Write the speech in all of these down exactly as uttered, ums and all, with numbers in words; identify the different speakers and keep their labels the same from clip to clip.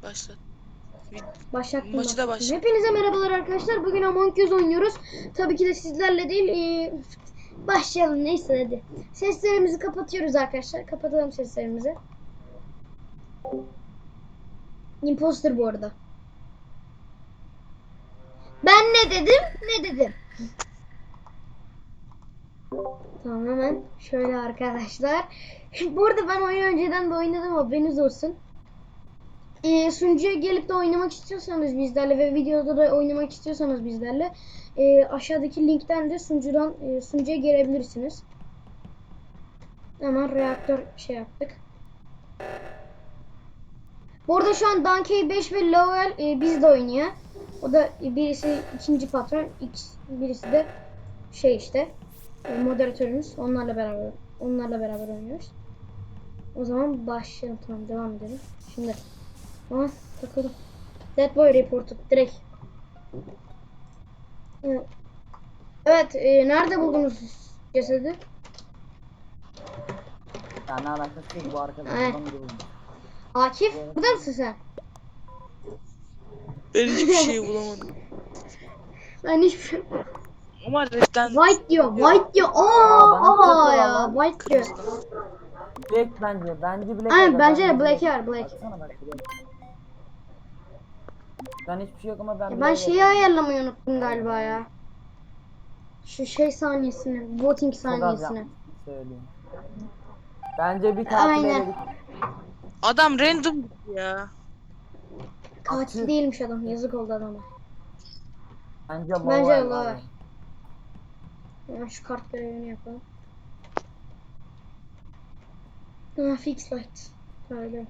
Speaker 1: Başlat.
Speaker 2: Başlattım.
Speaker 1: Maçı da
Speaker 2: başlattım.
Speaker 1: başlat.
Speaker 2: Hepinize merhabalar arkadaşlar. Bugün Among Us oynuyoruz. Tabii ki de sizlerle değil. Ee, başlayalım neyse hadi. Seslerimizi kapatıyoruz arkadaşlar. Kapatalım seslerimizi. Imposter bu arada. Ben ne dedim? Ne dedim? Tamam hemen şöyle arkadaşlar. Bu arada ben oyunu önceden de oynadım, haberiniz olsun. Ee, sunucuya gelip de oynamak istiyorsanız bizlerle ve videoda da oynamak istiyorsanız bizlerle e, aşağıdaki linkten de sunucudan e, sunucuya gelebilirsiniz. Hemen reaktör şey yaptık. Bu arada şu an Donkey beş ve Lowell e, bizde oynuyor. O da e, birisi ikinci patron, X, birisi de şey işte e, moderatörümüz. Onlarla beraber onlarla beraber oynuyoruz. O zaman başlayalım, tamam devam edelim. Şimdi aha takıldım. Dead Boy reported direkt. Evet, evet e, nerede buldunuz cesedi?
Speaker 3: Ya ne alakası yok bu arkadaşlar.
Speaker 2: Evet. Akif, burada mısın sen?
Speaker 1: Ben hiçbir şey bulamadım.
Speaker 2: Ben hiçbir
Speaker 1: Ama redden
Speaker 2: White diyor, white diyor. Aa, aa ya, white diyor.
Speaker 3: Black bence. Bence Black.
Speaker 2: Aynen,
Speaker 3: aga,
Speaker 2: bence de Black var, Black.
Speaker 3: Baksana bak Black. Ben hiçbir şey yok ama ben
Speaker 2: Ya ben
Speaker 3: Black'e
Speaker 2: şeyi
Speaker 3: yapıyorum.
Speaker 2: ayarlamayı unuttum galiba ya. Şu şey saniyesini, voting
Speaker 3: Çok az
Speaker 2: saniyesini.
Speaker 3: yapmışsın söyleyeyim. Bence bir katil
Speaker 2: Aynen.
Speaker 3: eledik.
Speaker 1: adam random ya.
Speaker 2: Katil
Speaker 3: Akif.
Speaker 2: değilmiş adam, yazık oldu adama.
Speaker 3: Bence
Speaker 2: Bence
Speaker 3: Lowell
Speaker 2: Lowell.
Speaker 3: abi.
Speaker 2: Hemen şu kart görevini yapalım. Ha, fix light. Böyle.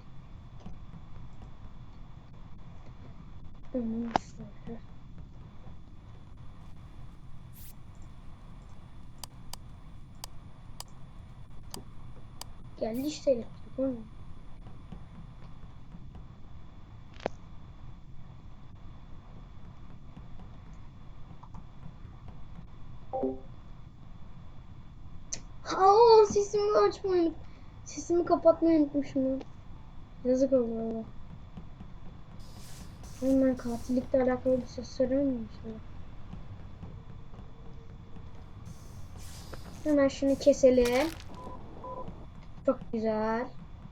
Speaker 2: Tamam, şöyle. Geldi işte elektrik. Hı. Aa, sesimi açmayı unut. Sesimi kapatmayı unutmuşum ya. Yazık oldu valla. Hemen katillikle alakalı bir şey söyleyeyim mi şimdi? Hemen şunu keselim. Çok güzel.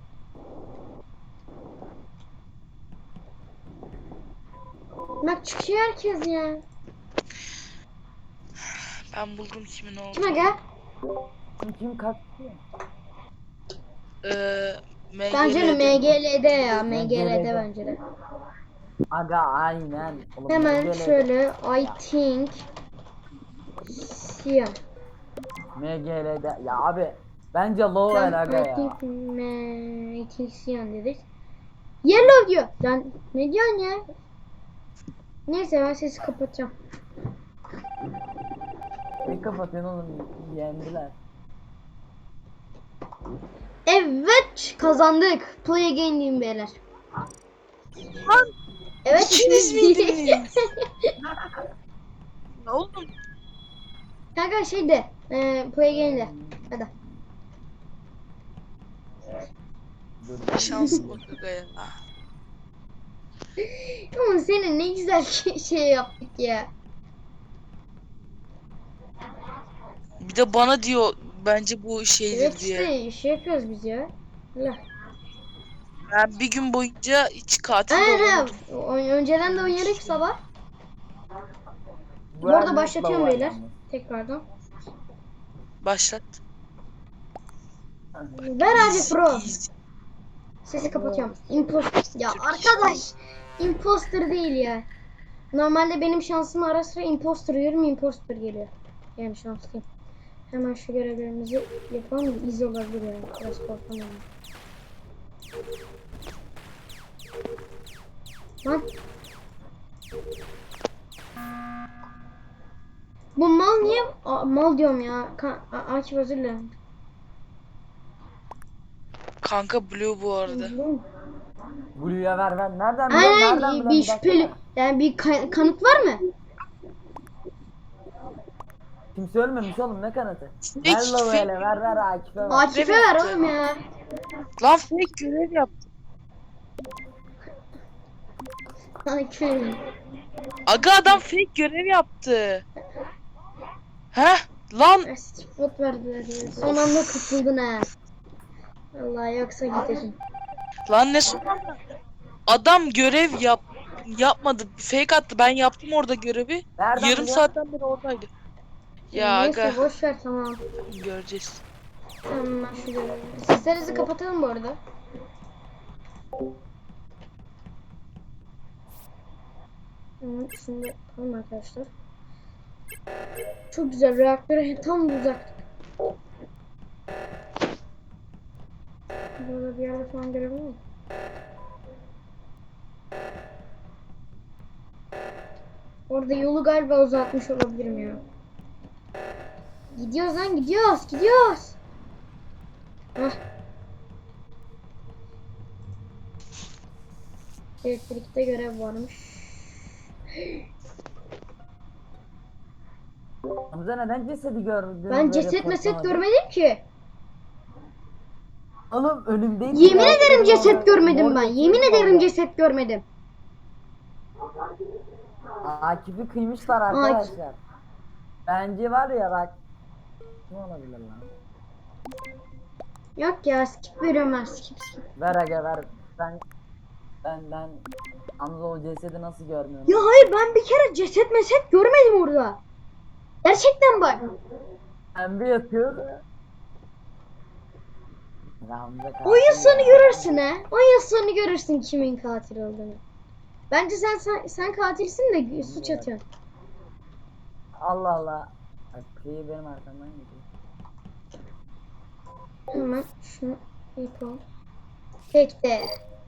Speaker 2: Bak çıkıyor herkes ya.
Speaker 1: Ben buldum kimin olduğunu.
Speaker 2: Kime gel?
Speaker 3: Kim kim katil?
Speaker 1: Ee,
Speaker 2: Bence de
Speaker 1: M G L'de.
Speaker 2: M G L'de ya.
Speaker 3: M
Speaker 2: M
Speaker 3: G
Speaker 2: G L'de
Speaker 3: L'de.
Speaker 2: bence de.
Speaker 3: Aga aynen. Oğlum,
Speaker 2: Hemen
Speaker 3: M G L'de.
Speaker 2: şöyle I think siyah.
Speaker 3: M G L'de. Ya abi. Bence Lowell aga
Speaker 2: Ben I
Speaker 3: ya.
Speaker 2: think me, I think siyah dedik. Yellow diyor. Lan ne diyorsun ya? Neyse ben sesi kapatacağım.
Speaker 3: Ne kapatıyorsun oğlum? Yendiler.
Speaker 2: Evet kazandık. Play again diyeyim beyler.
Speaker 1: Lan
Speaker 2: Evet
Speaker 1: ikiniz
Speaker 2: ikimiz-
Speaker 1: miydiniz? Ne oldu?
Speaker 2: Kanka şey de e, play again de. Hadi.
Speaker 1: Şanslı bak aga ya.
Speaker 2: Ama senin ne güzel şey yaptık ya.
Speaker 1: Bir de bana diyor bence bu şeydir
Speaker 2: Evet
Speaker 1: diye.
Speaker 2: işte şey yapıyoruz biz ya. Allah.
Speaker 1: Ben bir gün boyunca hiç katil de
Speaker 2: Aynen
Speaker 1: olamadım.
Speaker 2: ha. O- Önceden de oynadık sabah. Bu arada
Speaker 3: Vermez
Speaker 2: başlatıyorum
Speaker 3: Lowell
Speaker 2: beyler.
Speaker 3: yalnız.
Speaker 2: Tekrardan.
Speaker 1: Başlat.
Speaker 2: Ver abi
Speaker 1: Easy,
Speaker 2: pro.
Speaker 1: easy.
Speaker 2: Sesi kapatıyorum. Imposter. Ya arkadaş. Imposter değil ya. Normalde benim şansım ara sıra imposter diyorum, imposter geliyor. Yani şanslıyım. Hemen şu görevlerimizi yapalım da iz olabilir yani. Biraz korkamıyorum. Lan. Bu mal niye? Aa, mal diyorum ya. Ka A- Akif özür dilerim.
Speaker 1: Kanka Blue bu arada.
Speaker 3: Blue'ya ver ver. Nereden biliyorsun? Nereden
Speaker 2: Aynen
Speaker 3: biliyorsun?
Speaker 2: bir
Speaker 3: Bir dakika.
Speaker 2: şüpheli. Yani bir ka- kanıt var mı?
Speaker 3: Kimse ölmemiş oğlum, ne kanıtı?
Speaker 1: Fake,
Speaker 3: Ver Lowell'e
Speaker 1: fake.
Speaker 3: ver ver Akif'e ver.
Speaker 2: Akif'e ver oğlum ya.
Speaker 1: Lan fake görev yap.
Speaker 2: Köyüm.
Speaker 1: Aga adam fake görev yaptı. Heh lan
Speaker 2: Spot verdiler ya. Son anda kurtuldun ha. Allah yoksa giderim.
Speaker 1: lan ne son anda? Adam görev yap yapmadı. Fake attı. Ben yaptım orada görevi.
Speaker 3: Nereden
Speaker 1: Yarım
Speaker 3: biliyorsun?
Speaker 1: saatten beri oradaydı. Ya
Speaker 2: Neyse
Speaker 1: aga
Speaker 2: boş ver tamam.
Speaker 1: göreceğiz.
Speaker 2: Tamam ben şu görevi. Seslerinizi kapatalım bu arada. Hı, şimdi tamam arkadaşlar. Çok güzel reaktöre tam uzak. Burada bir yerde falan görebilir miyim? Orada yolu galiba uzatmış olabilirim ya. Gidiyoruz lan gidiyoruz gidiyoruz. Hah. Elektrikte görev varmış.
Speaker 3: Hamza neden cesedi gördün?
Speaker 2: Ben ceset meset görmedim ki.
Speaker 3: Oğlum önümdeydi.
Speaker 2: Yemin
Speaker 3: ya.
Speaker 2: ederim ceset görmedim
Speaker 3: Mor
Speaker 2: ben.
Speaker 3: ceset
Speaker 2: Yemin ederim
Speaker 3: orada.
Speaker 2: ceset görmedim.
Speaker 3: Akif'i kıymışlar arkadaşlar. Bence var ya bak. Ne olabilir lan?
Speaker 2: Yok ya skip veriyorum ben skip skip.
Speaker 3: Ver aga ver. Ben ben ben Hamza o cesedi nasıl görmüyorum?
Speaker 2: Ya hayır ben bir kere ceset meset görmedim orada. Gerçekten bak.
Speaker 3: Ben bir yatıyor. Hamza katil
Speaker 2: Oyun sonu
Speaker 3: ya.
Speaker 2: görürsün ha. Oyun sonu görürsün kimin katil olduğunu. Bence sen sen, sen katilsin de suç atıyorsun.
Speaker 3: Allah Allah. Bak Priyi benim arkamdan gidiyor.
Speaker 2: Hemen şunu yapalım. Peki.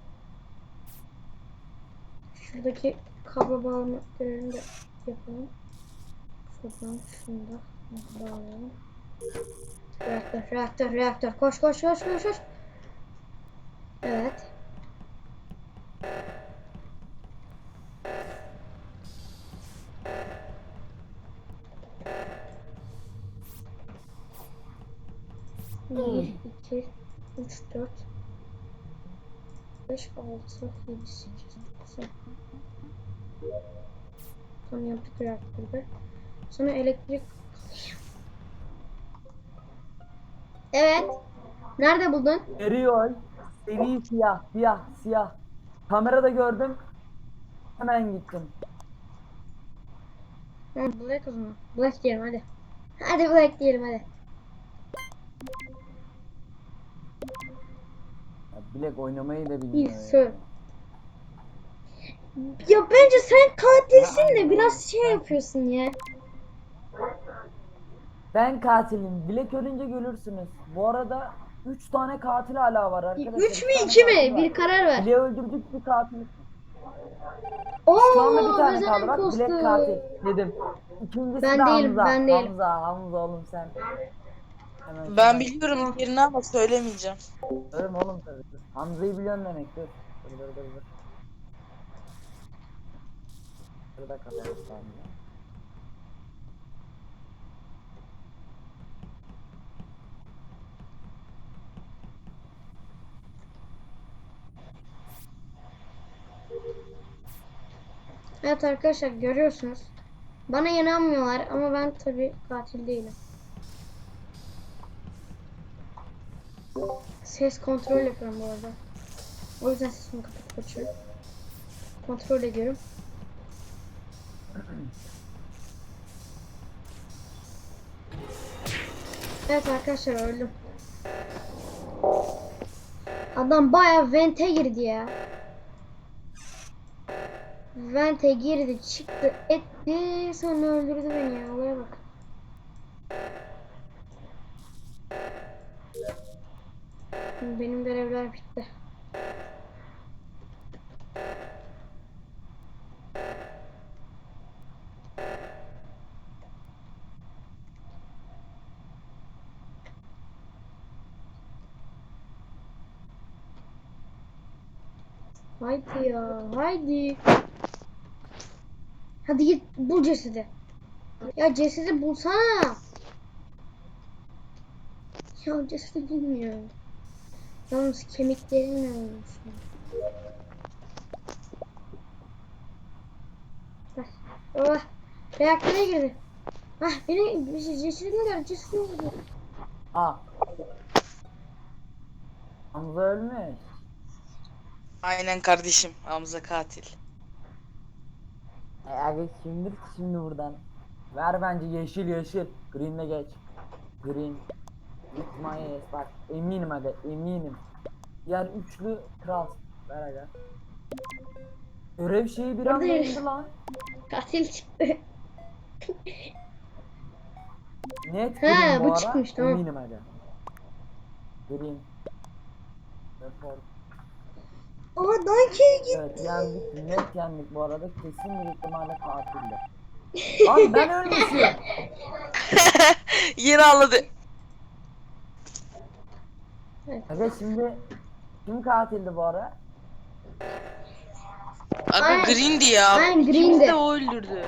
Speaker 2: Şuradaki kablo bağlama görevini de yapalım. Şuradan şunu da bağlayalım. Reaktör, reaktör, reaktör. Koş, koş, koş, koş, koş. Evet. Bir, iki, üç, dört, beş, altı, yedi, sekiz, dokuz. Sonra yaptık reaktörde. Sonra elektrik. Evet. Nerede buldun?
Speaker 3: Eriyor. Seri siyah, siyah, siyah. Kamerada gördüm. Hemen gittim.
Speaker 2: Ha, Black o zaman. Black diyelim hadi. Hadi Black diyelim hadi.
Speaker 3: Ya Bilek oynamayı da
Speaker 2: İyi
Speaker 3: bilmiyor
Speaker 2: sor.
Speaker 3: ya.
Speaker 2: Ya bence sen katilsin de biraz şey yapıyorsun ya.
Speaker 3: Ben katilim. Bilek ölünce görürsünüz. Bu arada üç tane katil hala var arkadaşlar.
Speaker 2: Üç mü
Speaker 3: tane
Speaker 2: iki
Speaker 3: katil
Speaker 2: mi?
Speaker 3: var.
Speaker 2: Bir karar ver.
Speaker 3: Bilek'i öldürdük bir katil.
Speaker 2: Oo,
Speaker 3: Şu anda bir tane
Speaker 2: Özen
Speaker 3: kaldı bak
Speaker 2: imposter.
Speaker 3: Bilek katil dedim. İkincisi
Speaker 2: Ben
Speaker 3: de
Speaker 2: değilim,
Speaker 3: Hamza.
Speaker 2: ben değilim.
Speaker 3: Hamza, Hamza oğlum sen. Hemen
Speaker 1: Ben
Speaker 3: şuradan-
Speaker 1: biliyorum yerini ama söylemeyeceğim.
Speaker 3: Ölüm oğlum tabii. Hamza'yı biliyorsun demek dur. Dur dur dur dur. Burada kapalı Hamza.
Speaker 2: Evet arkadaşlar görüyorsunuz. Bana inanmıyorlar ama ben tabii katil değilim. Ses kontrol yapıyorum bu arada. O yüzden sesimi kapatıp açıyorum. Kontrol ediyorum. Evet arkadaşlar öldüm. Adam bayağı vente girdi ya. Vente girdi, çıktı, etti, sonra öldürdü beni ya. Olaya bak. Benim görevler bitti. Haydi ya, haydi. Hadi git bul cesedi. Ya cesedi bulsana. Ya cesedi bulmuyor. Yalnız kemiklerimle olmuş. Oh. Reaktöre girdi. Ah beni cesedimi gördü. Cesedimi gördü.
Speaker 3: Aa. Hamza ölmüş.
Speaker 1: Aynen kardeşim. Hamza katil.
Speaker 3: E aga kimdir ki şimdi buradan? Ver bence yeşil yeşil. Green'le geç. Green. It's my ass. Bak eminim aga eminim. Diğer üçlü kral. Ver aga. Görev şeyi bir anda
Speaker 2: Buradayım.
Speaker 3: indi lan.
Speaker 2: Katil çıktı.
Speaker 3: Net
Speaker 2: He,
Speaker 3: green bu,
Speaker 2: bu
Speaker 3: ara.
Speaker 2: çıkmış, tamam.
Speaker 3: Eminim aga. Green. Report.
Speaker 2: Aa Donkey gitti.
Speaker 3: Evet yendik. Net yendik bu arada. Kesin bir ihtimalle katildi. Lan ben ölmüşüm.
Speaker 1: Yine ağladı.
Speaker 3: Aga şimdi kim katildi bu ara?
Speaker 1: Aga
Speaker 2: Aynen.
Speaker 1: Green'di ya.
Speaker 2: Aynen,
Speaker 1: İkimiz
Speaker 2: Green'di.
Speaker 1: de o öldürdü.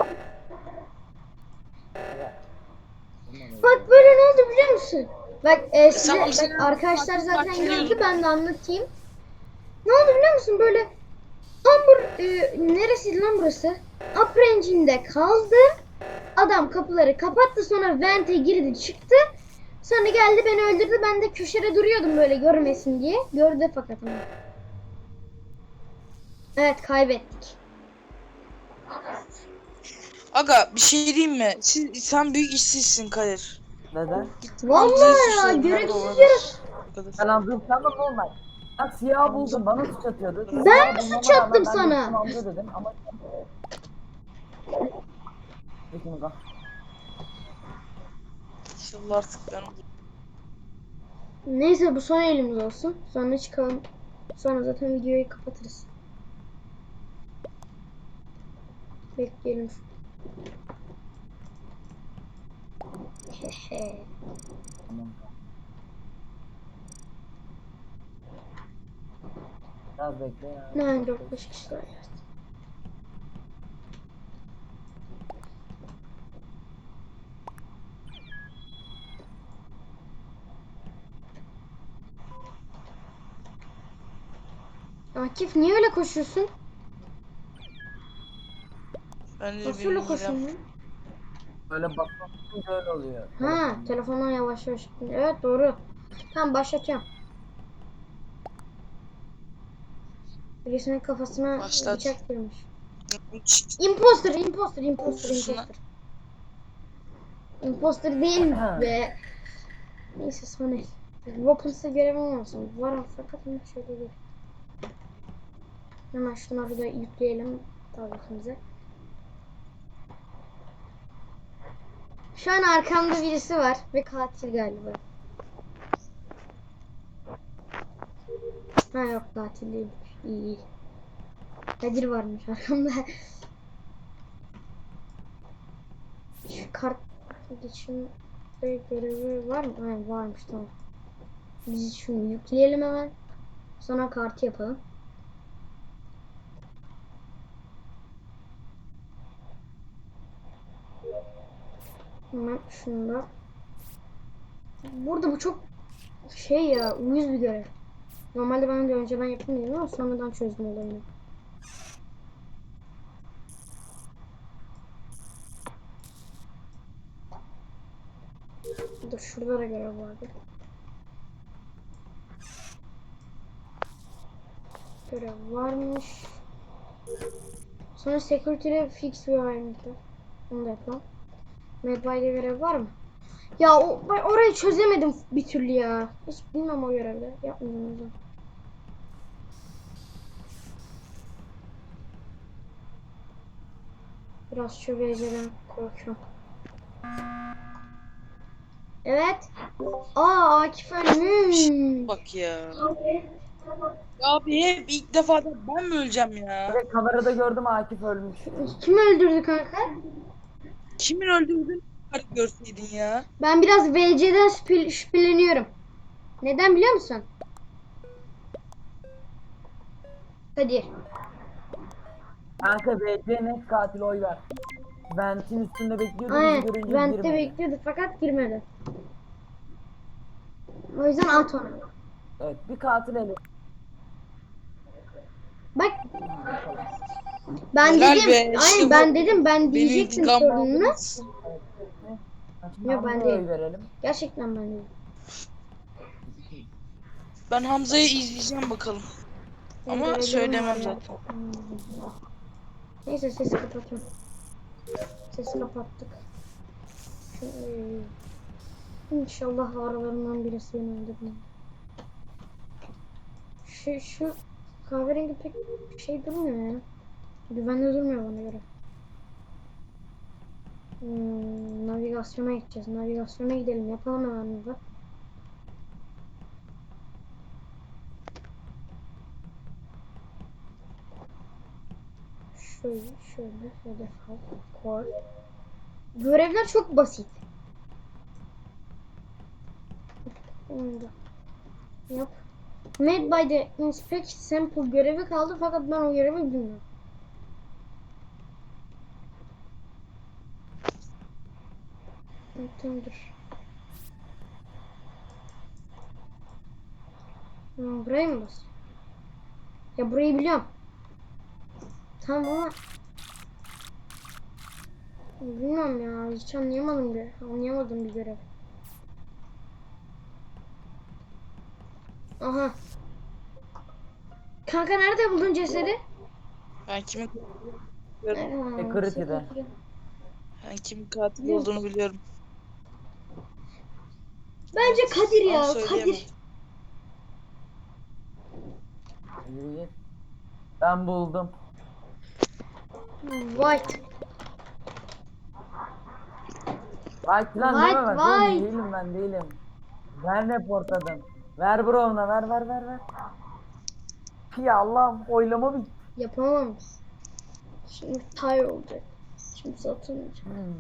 Speaker 3: Aga.
Speaker 2: Bak böyle ne oldu biliyor musun? Bak e, size,
Speaker 1: Tamam,
Speaker 2: bak,
Speaker 1: sen-
Speaker 2: arkadaşlar zaten
Speaker 1: Hatırlıyorum.
Speaker 2: gördü, ben de anlatayım. Ne oldu biliyor musun? Böyle tam bur e, neresiydi lan burası? Upper Engine'de kaldı. Adam kapıları kapattı, sonra vente girdi çıktı. Sonra geldi beni öldürdü. Ben de köşede duruyordum böyle görmesin diye. Gördü fakat ama. Evet, kaybettik.
Speaker 1: Aga bir şey diyeyim mi? Siz, sen büyük işsizsin Kadir.
Speaker 3: Neden?
Speaker 2: Vallahi ya, gereksiz yere.
Speaker 3: Ben Hamza'yı sandım normal. Ben siyah buldum bana suç atıyordu.
Speaker 2: Ben
Speaker 3: Siyah
Speaker 2: mi
Speaker 3: bulmama
Speaker 2: suç attım
Speaker 3: rağmen ben de
Speaker 2: sana?
Speaker 3: gittim Hamza dedim ama... Peki mi lan?
Speaker 1: İnşallah artık ben
Speaker 2: Neyse, bu son elimiz olsun. Sonra çıkalım. Sonra zaten videoyu kapatırız. Bekleyelim. Hehe.
Speaker 3: Tamam. Biraz bekle ya.
Speaker 2: Ne dört beş kişi var. Akif niye öyle koşuyorsun?
Speaker 1: ben de
Speaker 2: Nasıl
Speaker 1: bir
Speaker 2: öyle
Speaker 1: midem.
Speaker 2: koşuyorsun lan?
Speaker 3: Böyle basınca öyle oluyor.
Speaker 2: Ha, telefondan yavaş yavaş. Evet, doğru. Tamam, başlatıyorum. Birisinin kafasına
Speaker 1: Başlat.
Speaker 2: bıçak girmiş. Imposter, imposter, imposter,
Speaker 1: Susuna.
Speaker 2: imposter. Imposter değil be. Neyse, son el. Weapons'a görevim olmasın. Var fakat ama şöyle değil. Hemen şunları da yükleyelim tabletimize. Şu an arkamda birisi var ve katil galiba. Ha yok, katil değil. İyi iyi. Kadir varmış arkamda. Şu kart geçim görevi var mı? Hayır, varmış, tamam. Biz şunu yükleyelim hemen. Sonra kartı yapalım. Hemen şunu da. Burada bu çok şey ya, uyuz bir görev. Normalde ben de önceden yapamıyordum ama sonradan çözdüm olayını. Dur, şurada da görev vardı. Görev varmış. Sonra security'de fix requirement var. Onu da yapalım. Medbay'da görev var mı? Ya o, ben orayı çözemedim bir türlü ya. Hiç bilmem o görevde. Yapmayacağım o yüzden. Biraz şu V C'den korkuyorum. Evet. Aa, Akif ölmüş.
Speaker 1: Bak ya. Ya abi hep ilk defa da ben mi öleceğim ya?
Speaker 3: Direkt kamerada gördüm Akif ölmüş.
Speaker 2: Kim öldürdü kanka?
Speaker 1: Kimin öldürdüğünü görseydin ya.
Speaker 2: Ben biraz V C'den şüphe- şüpheleniyorum. Neden biliyor musun? Kadir.
Speaker 3: Kanka B C net katil oy ver. Vent'in üstünde bekliyordu bizi
Speaker 2: Aynen.
Speaker 3: görünce
Speaker 2: Vent'te
Speaker 3: girmedi.
Speaker 2: bekliyordu fakat girmedi. O yüzden at onu.
Speaker 3: Evet bir katil eli.
Speaker 2: Bak. Ben
Speaker 1: Helal
Speaker 2: dedim.
Speaker 1: be, işte
Speaker 2: Aynen
Speaker 1: bu.
Speaker 2: ben dedim. Ben
Speaker 1: Benim
Speaker 2: diyecektim
Speaker 1: intikam
Speaker 2: sorununu.
Speaker 1: aldınız.
Speaker 3: Şimdi
Speaker 2: Yok, ben
Speaker 3: Hamza'ya
Speaker 2: değil.
Speaker 3: oy verelim.
Speaker 2: Gerçekten ben değilim.
Speaker 1: Ben Hamza'yı izleyeceğim bakalım.
Speaker 2: Benim
Speaker 1: Ama
Speaker 2: görevlerim
Speaker 1: söylemem
Speaker 2: var ya.
Speaker 1: zaten.
Speaker 2: Hmm. Neyse sesi kapatıyorum. Sesi kapattık. Şu, e, İnşallah aralarından birisi beni öldürmez. Şu, şu kahverengi pek şey durmuyor ya. Güvenli durmuyor bana göre. Hmm, navigasyona gideceğiz. Navigasyona gidelim. Yapalım hemen burada. Şöyle şöyle hedef al. Koy. Görevler çok basit. Onu da yap. Made by the inspect sample görevi kaldı fakat ben o görevi bilmiyorum. Tamam dur. Hmm, burayı mı bas? Ya burayı biliyorum. Tamam ama bilmiyorum ya. Hiç anlayamadım bir. Anlayamadım bir görev. Aha. Kanka nerede buldun cesedi?
Speaker 1: Ben kimin
Speaker 2: Aa,
Speaker 3: Security'de.
Speaker 1: ben kimin katil olduğunu biliyorum.
Speaker 2: Bence Kadir
Speaker 1: Ama
Speaker 2: ya.
Speaker 1: söyleyemem.
Speaker 2: Kadir.
Speaker 3: Yürü git. Ben buldum.
Speaker 2: White.
Speaker 3: White lan
Speaker 2: White,
Speaker 3: deme bak oğlum,
Speaker 2: white.
Speaker 3: değilim ben değilim. Ben reportladım. Ver bro ona, ver ver ver ver. Ya Allah'ım, oylama bitti.
Speaker 2: Yapamam. Şimdi tire olacak. Şimdi satılmayacak.
Speaker 3: Hmm.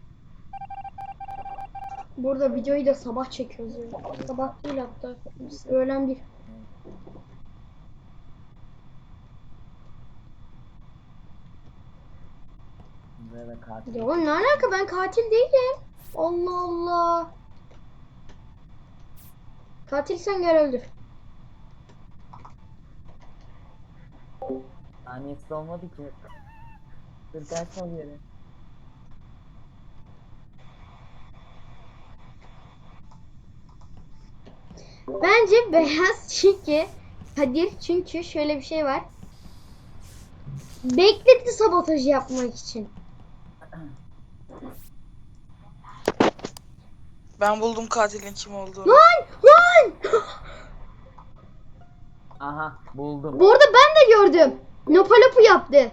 Speaker 2: Burada videoyu da sabah çekiyoruz ya. Sabah değil hatta. Biz öğlen bir.
Speaker 3: Buraya da katil.
Speaker 2: Ya oğlum ne alaka, ben katil değilim. Allah Allah. Katilsen gel öldür.
Speaker 3: Saniyesi olmadı ki. Dur kaçma bir yere.
Speaker 2: Bence beyaz çünkü Kadir, çünkü şöyle bir şey var. Bekletti sabotajı yapmak için.
Speaker 1: Ben buldum katilin kim olduğunu.
Speaker 2: Lan lan.
Speaker 3: Aha buldum.
Speaker 2: Bu arada ben de gördüm. Nopalopu yaptı.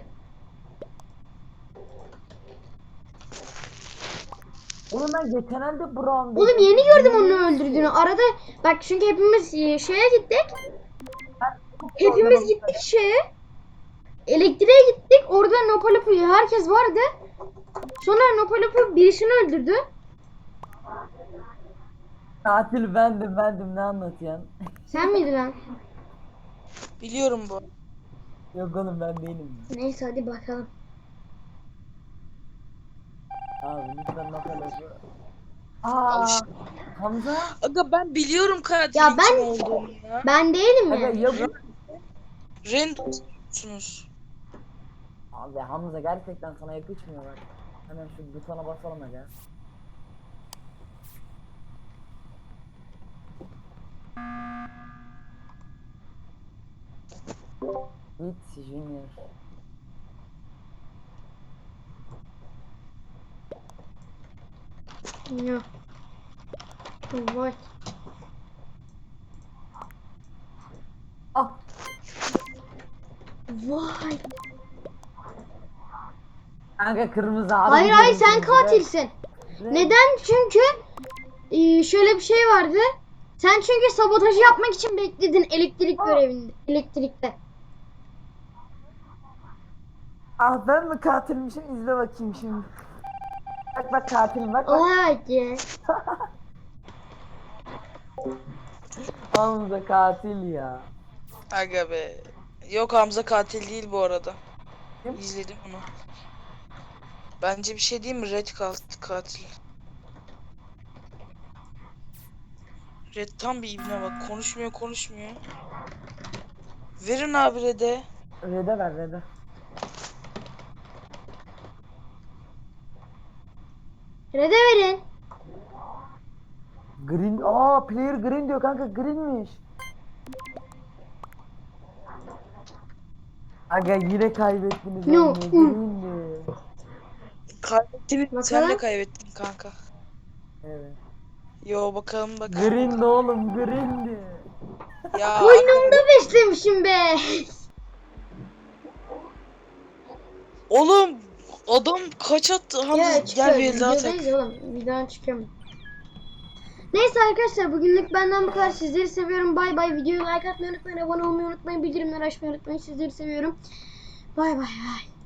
Speaker 3: Oğlum ben geçen elde Brown.
Speaker 2: Oğlum yeni gördüm onu öldürdüğünü. Arada bak, çünkü hepimiz e, şeye gittik. Hepimiz gittik şeye. Elektriğe gittik. Orada Nopalopu herkes vardı. Sonra Nopalopu birisini öldürdü.
Speaker 3: Katil bendim bendim, ne anlatıyorsun?
Speaker 2: Sen miydin lan?
Speaker 1: Biliyorum bu.
Speaker 3: Yok oğlum ben değilim.
Speaker 2: Neyse hadi bakalım.
Speaker 3: Abi lütfen bakalım.
Speaker 1: Al
Speaker 3: Aa,
Speaker 1: işte.
Speaker 3: Hamza.
Speaker 1: Aga ben biliyorum katilin
Speaker 2: Ya ben-
Speaker 1: kim olduğunu ya.
Speaker 2: Ben değilim
Speaker 3: Aga
Speaker 2: ya.
Speaker 3: ya bu.
Speaker 1: Random'sunuz.
Speaker 3: Abi Hamza gerçekten sana yakışmıyor bak. Hemen şu butona basalım aga. Git Junior.
Speaker 2: Ya. Vay.
Speaker 3: Ah.
Speaker 2: Vay.
Speaker 3: Kanka kırmızı abi.
Speaker 2: Hayır hayır, sen katilsin.
Speaker 3: Ne?
Speaker 2: Neden? Çünkü e, şöyle bir şey vardı. Sen çünkü sabotajı yapmak için bekledin elektrik görevinde. Elektrikte.
Speaker 3: Ah ben mi katilmişim, izle bakayım şimdi. Bak bak katilim, bak bak.
Speaker 2: Oha ya.
Speaker 3: Hamza katil ya.
Speaker 1: Aga be. Yok, Hamza katil değil bu arada.
Speaker 3: Kim?
Speaker 1: İzledim onu. Bence bir şey diyeyim mi? Red kat- katil. Red tam bir ibne bak. Konuşmuyor konuşmuyor. Verin abi Red'e.
Speaker 3: Rede ver rede.
Speaker 2: Red'e verin.
Speaker 3: Green. Aa player green diyor kanka, greenmiş. Aga yine kaybettiniz
Speaker 2: No.
Speaker 3: oyunu. Green'di.
Speaker 1: Kaybettin. Sen de
Speaker 2: Bakalım.
Speaker 1: kaybettin kanka.
Speaker 3: Evet.
Speaker 1: Yo bakalım bakalım.
Speaker 3: Green'di oğlum, green'di.
Speaker 1: Ya
Speaker 2: Koynumda
Speaker 1: aga-
Speaker 2: beslemişim be.
Speaker 1: oğlum adam kaç attı? Hamza
Speaker 2: Ya
Speaker 1: gel
Speaker 2: çıkıyor.
Speaker 1: bir el daha tak.
Speaker 2: Videodayız oğlum. Videodan çıkıyorum. Neyse arkadaşlar bugünlük benden bu kadar. Sizleri seviyorum. Bay bay. Videoyu like atmayı unutmayın. Abone olmayı unutmayın. Bildirimleri açmayı unutmayın. Sizleri seviyorum. Bay bay bay.